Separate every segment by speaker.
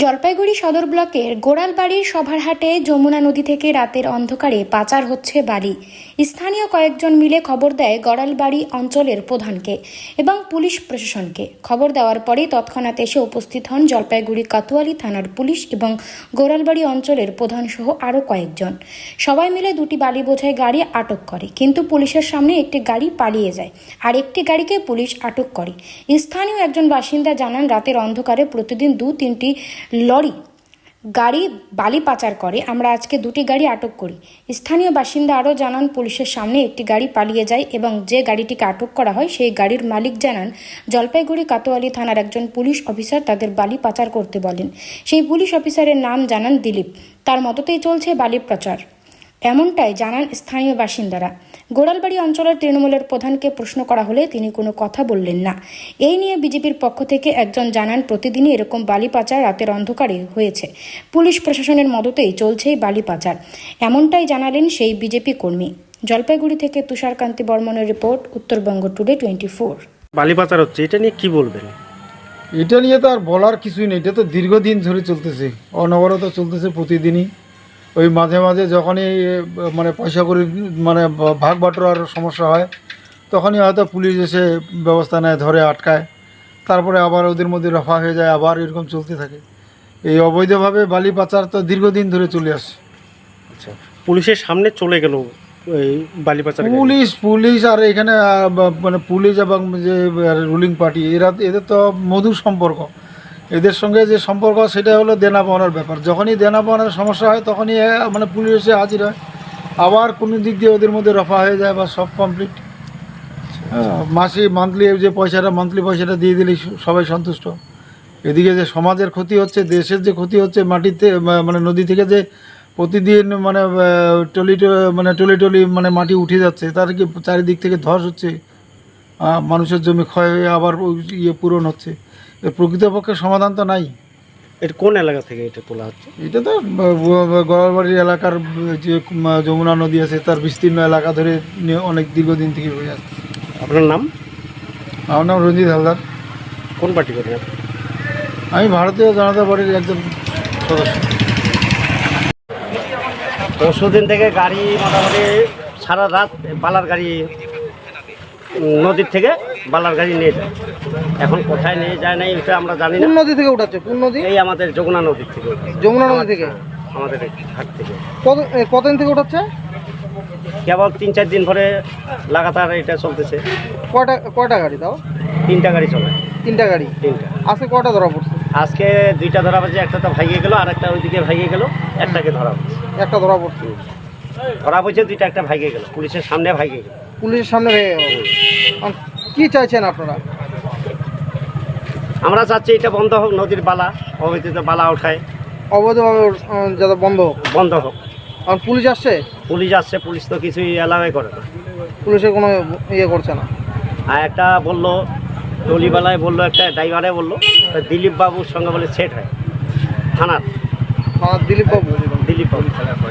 Speaker 1: জলপাইগুড়ি সদর ব্লকের গোড়ালবাড়ির সভারহাটে যমুনা নদী থেকে রাতের অন্ধকারে পাচার হচ্ছে বালি। স্থানীয় কয়েকজন মিলে খবর দেয় গোড়ালবাড়ি অঞ্চলের প্রধানকে এবং পুলিশ প্রশাসনকে। খবর দেওয়ার পরেই তৎক্ষণাৎ এসে উপস্থিত হন জলপাইগুড়ি কোতোয়ালি থানার পুলিশ এবং গোড়ালবাড়ি অঞ্চলের প্রধান সহ আরও কয়েকজন। সবাই মিলে দুটি বালি বোঝাই গাড়ি আটক করে, কিন্তু পুলিশের সামনে একটি গাড়ি পালিয়ে যায় আর একটি গাড়িকে পুলিশ আটক করে। স্থানীয় একজন বাসিন্দা জানান, রাতের অন্ধকারে প্রতিদিন 2-3টি লরি গাড়ি বালি পাচার করে, আমরা আজকে দুটি গাড়ি আটক করি। স্থানীয় বাসিন্দা আরও জানান, পুলিশের সামনে একটি গাড়ি পালিয়ে যায় এবং যে গাড়িটিকে আটক করা হয় সেই গাড়ির মালিক জানান জলপাইগুড়ি কোতোয়ালি থানার একজন পুলিশ অফিসার তাদের বালি পাচার করতে বলেন। সেই পুলিশ অফিসারের নাম জানান দিলীপ। তার মততেই চলছে বালি পাচার, এমনটাই জানান স্থানীয় বাসিন্দারা। গোড়ালবাড়ি অঞ্চলের তৃণমূলের প্রধানকে প্রশ্ন করা হলে তিনি কোনো কথা বললেন না। এই নিয়ে বিজেপির পক্ষ থেকে একজন জানান, প্রতিদিনই এরকম বালি পাচার রাতের অন্ধকারে হয়েছে, পুলিশ প্রশাসনের মদতেই চলছে বালি পাচার, এমনটাই জানালেন সেই বিজেপি কর্মী। জলপাইগুড়ি থেকে তুষারকান্তি বর্মনের রিপোর্ট, উত্তরবঙ্গ টুডে 24।
Speaker 2: বালি পাচার হচ্ছে, এটা নিয়ে কি বলবেন?
Speaker 3: এটা নিয়ে তো আর বলার কিছুই নেই, এটা তো দীর্ঘদিন ধরে চলতেছে, অনবরত চলতেছে প্রতিদিনই। ওই মাঝে মাঝে যখনই মানে পয়সা করে মানে ভাগ বাটোয়ার সমস্যা হয় তখনই হয়তো পুলিশ এসে ব্যবস্থা নেয়, ধরে আটকায়, তারপরে আবার ওদের মধ্যে রফা হয়ে যায়, আবার এরকম চলতে থাকে। এই অবৈধভাবে বালি পাচার তো দীর্ঘদিন ধরে চলে আসছে।
Speaker 2: আচ্ছা, পুলিশের সামনে চলে গেল এই বালি পাচার।
Speaker 3: পুলিশ আর এখানে মানে পুলিশ এবং যে রুলিং পার্টি এদের তো মধুর সম্পর্ক। এদের সঙ্গে যে সম্পর্ক সেটা হলো দেনা পাওনার ব্যাপার। যখনই দেনা পাওনার সমস্যা হয় তখনই মানে পুলিশ এসে হাজির হয়, আবার কোনো দিক দিয়ে ওদের মধ্যে রফা হয়ে যায় বা সব কমপ্লিট। মান্থলি যে মান্থলি পয়সাটা দিয়ে দিলেই সবাই সন্তুষ্ট। এদিকে যে সমাজের ক্ষতি হচ্ছে, দেশের যে ক্ষতি হচ্ছে, মাটিতে মানে নদী থেকে যে প্রতিদিন মানে টলি মানে মাটি উঠে যাচ্ছে, তার কি চারিদিক থেকে ধস হচ্ছে, মানুষের জমি ক্ষয় হয়ে আবার পূরণ হচ্ছে। এর প্রকৃতপক্ষে সমাধান তো নাই।
Speaker 2: এটা কোন এলাকা থেকে এটা তোলা হচ্ছে?
Speaker 3: এটা তো গোড়ালবাড়ির এলাকার যে যমুনা নদী আছে তার বিস্তীর্ণ এলাকা ধরে অনেক দীর্ঘদিন থেকে হয়ে আসছে।
Speaker 2: আপনার নাম?
Speaker 3: আমার নাম রঞ্জিত হালদার।
Speaker 2: কোন পার্টি করেন?
Speaker 3: আমি ভারতীয় জনতা পার্টির একজন সদস্য।
Speaker 2: পরশুদিন থেকে গাড়ি মোটামুটি সারা রাত বালার গাড়ি নদীর থেকে বালার গাড়ি নিয়ে যায়। এখন কোথায় নিয়ে যায় না এটা আমরা জানি না।
Speaker 4: কোন নদী থেকে উঠাচ্ছে? কোন নদী?
Speaker 2: এই আমাদের যমুনা নদীর থেকে।
Speaker 4: যমুনা নদী থেকে?
Speaker 2: আমাদের ঘাট থেকে।
Speaker 4: কতদিন থেকে উঠাচ্ছে?
Speaker 2: কেবল 3-4 দিন ধরে লাগাতার এটা চলতেছে।
Speaker 4: কয়টা গাড়ি তাও?
Speaker 2: 3টা গাড়ি চলে।
Speaker 4: 3টা গাড়ি?
Speaker 2: 3টা।
Speaker 4: আজকে কয়টা ধরা পড়ছে?
Speaker 2: আজকে 2টা ধরা পড়ছে, একটা তো ভাইয়ে গেল, আর একটা ওইদিকে ভাইয়ে গেল, একটাকে ধরা পড়ছে।
Speaker 4: একটা ধরা পড়ছে?
Speaker 2: ধরা পড়ছে 2টা, একটা ভাইয়ে গেল, পুলিশের সামনে ভাইয়ে গেল।
Speaker 4: পুলিশের সামনে ভেঙে গেল? কি চাইছেন আপনারা?
Speaker 2: আমরা চাচ্ছি এটা বন্ধ হোক, নদীর বালা অবৈধ বালা ওঠায়
Speaker 4: অবৈধভাবে যাতে বন্ধ হোক। আর পুলিশ আসছে?
Speaker 2: পুলিশ আসছে, পুলিশ তো কিছুই অ্যালাউই করে না।
Speaker 4: পুলিশের কোনো ইয়ে করছে না।
Speaker 2: আর একটা বললো টলিবালায় বললো, একটা ড্রাইভারে বললো দিলীপ বাবুর সঙ্গে বলে সেট হয় থানার।
Speaker 4: দিলীপ বাবু?
Speaker 2: দিলীপ বাবু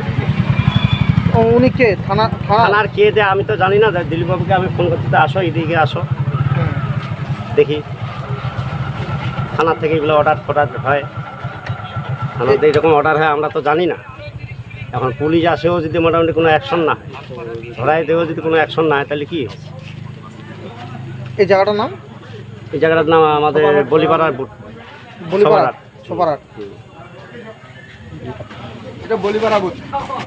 Speaker 4: উনি কে?
Speaker 2: থানার কে দেয় আমি তো জানি না। দিলীপ বাবুকে আমি ফোন করতে, আসো এদিকে আসো দেখি। থানার থেকে এগুলো অর্ডার হয়, থানাতে এরকম অর্ডার হয়, আমরা তো জানি না। এখন পুলিশ আসেও যদি মোটামুটি কোনো অ্যাকশন না হয়, ধরাই দেও যদি কোনো অ্যাকশন না হয়, তাহলে কি?
Speaker 4: এই জায়গাটার নাম?
Speaker 2: এই জায়গাটার নাম আমাদের বলিপাড়ার বুট।
Speaker 4: সপারহাট? এটা বলিপাড়া বুট।